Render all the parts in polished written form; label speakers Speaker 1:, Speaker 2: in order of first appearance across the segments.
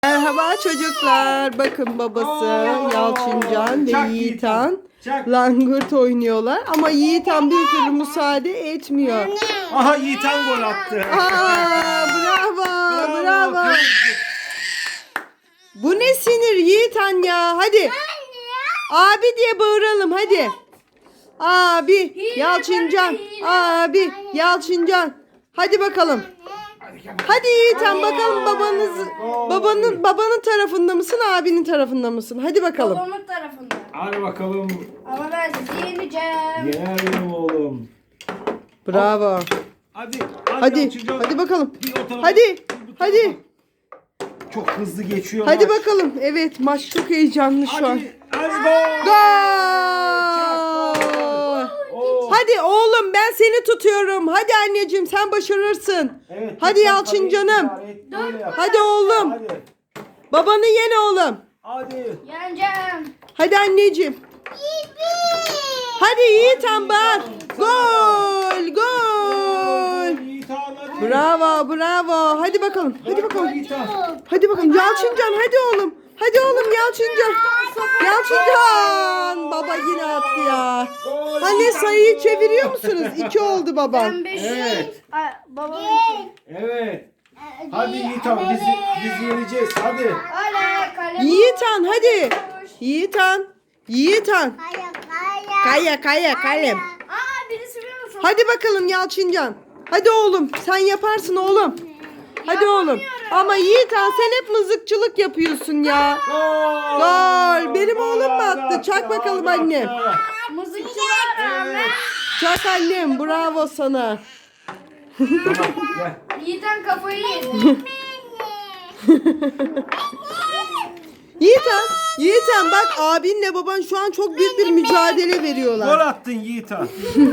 Speaker 1: Merhaba çocuklar. Bakın babası Yalçıncan ve Yiğitan langırt oynuyorlar. Ama Yiğitan bir türlü müsaade etmiyor.
Speaker 2: Aha Yiğitan gol attı.
Speaker 1: Bravo, bravo. Bu ne sinir Yiğitan ya. Hadi. Abi diye bağıralım hadi. Abi Yalçıncan. Abi Yalçıncan. Hadi bakalım. Hadi Yiğitan bakalım babanın tarafında mısın, abinin tarafında mısın? Hadi bakalım.
Speaker 3: Babamın tarafında.
Speaker 2: Hadi bakalım.
Speaker 3: Ama ben sizi yeneceğim.
Speaker 2: Yener benim oğlum.
Speaker 1: Bravo.
Speaker 2: Hadi.
Speaker 1: Hadi bakalım.
Speaker 2: Bir o tarafa,
Speaker 1: Hadi.
Speaker 2: bir bu tarafa.
Speaker 1: Hadi.
Speaker 2: Çok hızlı geçiyor
Speaker 1: Hadi
Speaker 2: maç.
Speaker 1: bakalım. Evet, maç çok heyecanlı şu an.
Speaker 2: Hadi gol.
Speaker 1: Gol!
Speaker 2: Oo.
Speaker 1: Hadi oğlum ben seni tutuyorum. Hadi anneciğim sen başarırsın.
Speaker 2: Evet,
Speaker 1: Hadi
Speaker 2: lütfen
Speaker 1: Yalçıncanım.
Speaker 2: kaleyi böyle yap.
Speaker 1: Hadi oğlum.
Speaker 2: Hadi.
Speaker 1: Babanı yen oğlum.
Speaker 2: Hadi.
Speaker 3: Yeneceğim.
Speaker 1: Hadi anneciğim. Hadi Yiğitan bak. Gol! Gol!
Speaker 2: Yiğitan hadi.
Speaker 1: Bravo, bravo. Hadi bakalım. Hadi bakalım.
Speaker 2: Yiğitan.
Speaker 1: Hadi bakalım. Yalçıncan hadi oğlum. Hadi oğlum Yalçıncan. Yalçıncan. Baba yine attı ya.
Speaker 2: Gol.
Speaker 1: Anne sayıyı çeviriyor musunuz? 2 oldu baba.
Speaker 3: Ben 5.
Speaker 2: Evet.
Speaker 3: Babam 2.
Speaker 2: Evet. Hadi Yiğitan biz yeneceğiz. Hadi.
Speaker 3: Hala kale.
Speaker 1: Yiğitan hadi. Yiğitan. Yiğitan. Kaya kalem.
Speaker 3: Aa birisi biliyor musun?
Speaker 1: Hadi bakalım Yalçıncan. Hadi oğlum sen yaparsın oğlum. Hadi oğlum. Ama Yiğitan sen hep mızıkçılık yapıyorsun ya. Gol. Benim oğlum mu attı? Çak bakalım annem.
Speaker 3: Mızıkçılar rağmen.
Speaker 1: Çak annem. Bravo sana.
Speaker 2: Tamam gel.
Speaker 3: Yiğitan kafayı yedi.
Speaker 1: Yiğitan bak abinle baban şu an çok büyük bir mücadele
Speaker 2: Gol
Speaker 1: veriyorlar.
Speaker 2: attın Yiğitan.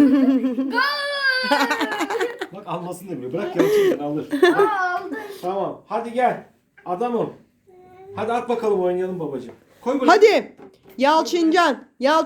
Speaker 2: Bak almasın demiyor. Bırak Yalçıncan alır.
Speaker 3: Aldı.
Speaker 2: Tamam. Hadi gel. Adamım. Hadi at bakalım oynayalım babacığım. Koy buraya.
Speaker 1: Hadi. Yalçıncan.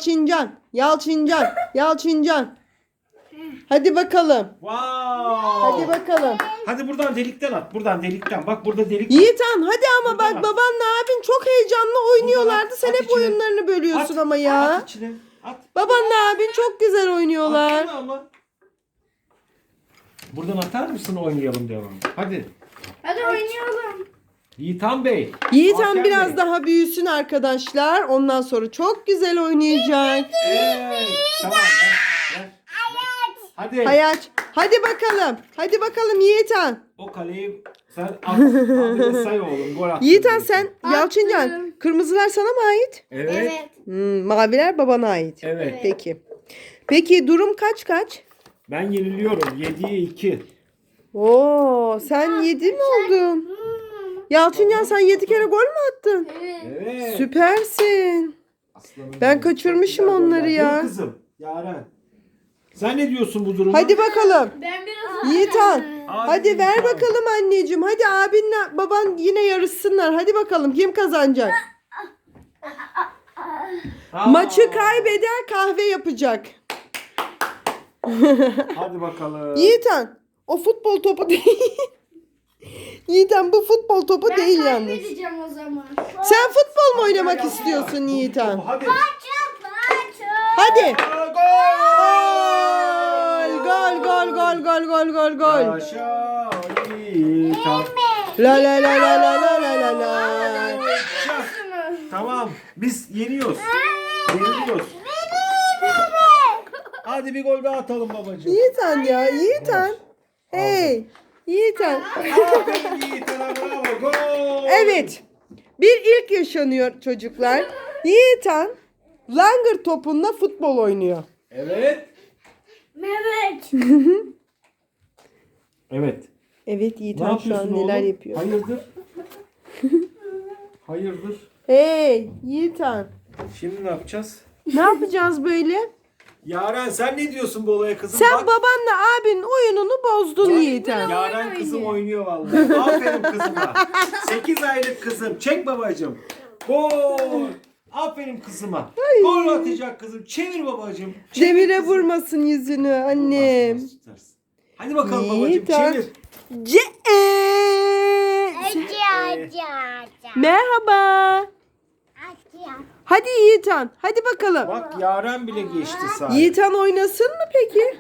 Speaker 1: Hadi bakalım.
Speaker 2: Wow.
Speaker 1: Hadi bakalım.
Speaker 2: Hadi buradan delikten at. Buradan delikten. Bak burada delik var.
Speaker 1: Yiğitan hadi ama
Speaker 2: Buradan
Speaker 1: bak
Speaker 2: at.
Speaker 1: babanla abin çok heyecanlı oynuyorlardı. Sen
Speaker 2: at
Speaker 1: hep
Speaker 2: içine.
Speaker 1: oyunlarını bölüyorsun ama ya.
Speaker 2: At içine. At.
Speaker 1: Babanla abin çok güzel oynuyorlar.
Speaker 2: Atsana ama. Buradan atar mısın oynayalım devam. Hadi.
Speaker 3: Hadi oynayalım.
Speaker 2: Yiğitan Bey.
Speaker 1: Yiğitan
Speaker 2: Hakem
Speaker 1: biraz
Speaker 2: Bey.
Speaker 1: daha büyüsün arkadaşlar. Ondan sonra çok güzel oynayacak.
Speaker 2: Evet. Tamam. Ver. Hadi.
Speaker 1: Hadi bakalım. Hadi bakalım Yiğitan.
Speaker 2: O kaleyi sen at. Abi say oğlum. Gol at.
Speaker 1: Yiğitan sen Yalçıncan. Kırmızılar sana mı ait?
Speaker 2: Evet.
Speaker 1: Maviler babana ait.
Speaker 2: Evet.
Speaker 1: Peki. Peki durum kaç?
Speaker 2: Ben yeniliyorum. 7'ye 2.
Speaker 1: Oo, sen 7 mi oldun? Yalçıncan sen 7 kere gol mü attın?
Speaker 2: Evet.
Speaker 1: Süpersin.
Speaker 2: Aslanım
Speaker 1: Ben
Speaker 2: benim.
Speaker 1: kaçırmışım
Speaker 2: Çok güzel
Speaker 1: onları
Speaker 2: goller.
Speaker 1: ya.
Speaker 2: Değil mi kızım. Yaren. Sen ne diyorsun bu duruma?
Speaker 1: Hadi bakalım.
Speaker 3: Ben biraz
Speaker 1: Yiğitan. Hadi ver
Speaker 2: Yiğitan.
Speaker 1: bakalım anneciğim. Hadi abinle baban yine yarışsınlar. Hadi bakalım kim kazanacak?
Speaker 2: Aa.
Speaker 1: Maçı kaybeden kahve yapacak.
Speaker 2: Hadi bakalım.
Speaker 1: Yiğitan o futbol topu değil. Yiğitan bu futbol topu değil yalnız.
Speaker 3: kaybedeceğim o zaman.
Speaker 1: Sen futbol mu oynamak istiyorsun Yiğitan?
Speaker 2: Hadi.
Speaker 1: Hadi.
Speaker 2: Aa,
Speaker 1: Gol.
Speaker 2: Yaşa Yiğitan.
Speaker 1: La la la la la la la la la.
Speaker 2: Yaşa. Tamam. Biz yeniyoruz. Yeniliyoruz. Hadi bir gol daha atalım babacığım.
Speaker 1: Yiğitan ya Yiğitan. Hey Yiğitan.
Speaker 2: Aferin Yiğitan'a bravo. Gol.
Speaker 1: Evet. Bir ilk yaşanıyor çocuklar. Yiğitan langırt topunla futbol oynuyor.
Speaker 2: Evet.
Speaker 3: Mehmet.
Speaker 2: Evet.
Speaker 1: Evet
Speaker 2: Ne
Speaker 1: Yiğitan şu
Speaker 2: yapıyorsun
Speaker 1: an neler
Speaker 2: oğlum?
Speaker 1: yapıyor.
Speaker 2: Hayırdır? Hayırdır?
Speaker 1: Hey Yiğitan.
Speaker 2: Şimdi ne yapacağız?
Speaker 1: Ne yapacağız böyle?
Speaker 2: Yaren sen ne diyorsun bu olaya kızım?
Speaker 1: Sen
Speaker 2: Bak,
Speaker 1: babanla abinin oyununu bozdun Yiğitan.
Speaker 2: Yaren kızım oynuyor vallahi. Aferin kızıma. 8 aylık kızım. Çek babacığım. Gol. Aferin kızıma. Gol atacak kızım. Çevir babacığım. Çevir
Speaker 1: Demire
Speaker 2: kızım.
Speaker 1: vurmasın yüzünü annem.
Speaker 2: Tutarsın. Hadi bakalım babacığım
Speaker 1: Yiğitan.
Speaker 2: çevir.
Speaker 1: Merhaba. Hadi Yiğitan. Hadi bakalım.
Speaker 2: Bak Yaren bile geçti sahi.
Speaker 1: Yiğitan oynasın mı peki?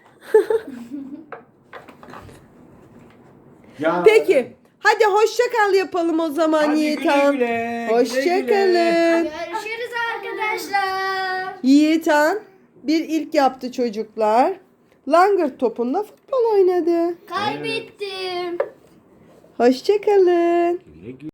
Speaker 2: Yaren.
Speaker 1: Peki. Hadi hoşça kal yapalım o zaman
Speaker 2: Hadi
Speaker 1: Yiğitan.
Speaker 2: güle güle,
Speaker 1: Hoşça
Speaker 2: güle güle.
Speaker 1: kalın.
Speaker 3: Görüşürüz arkadaşlar.
Speaker 1: Yiğitan bir ilk yaptı çocuklar. Langırt topunda futbol oynadı.
Speaker 3: Kaybettim.
Speaker 1: Hoşça kalın.
Speaker 2: Güle güle.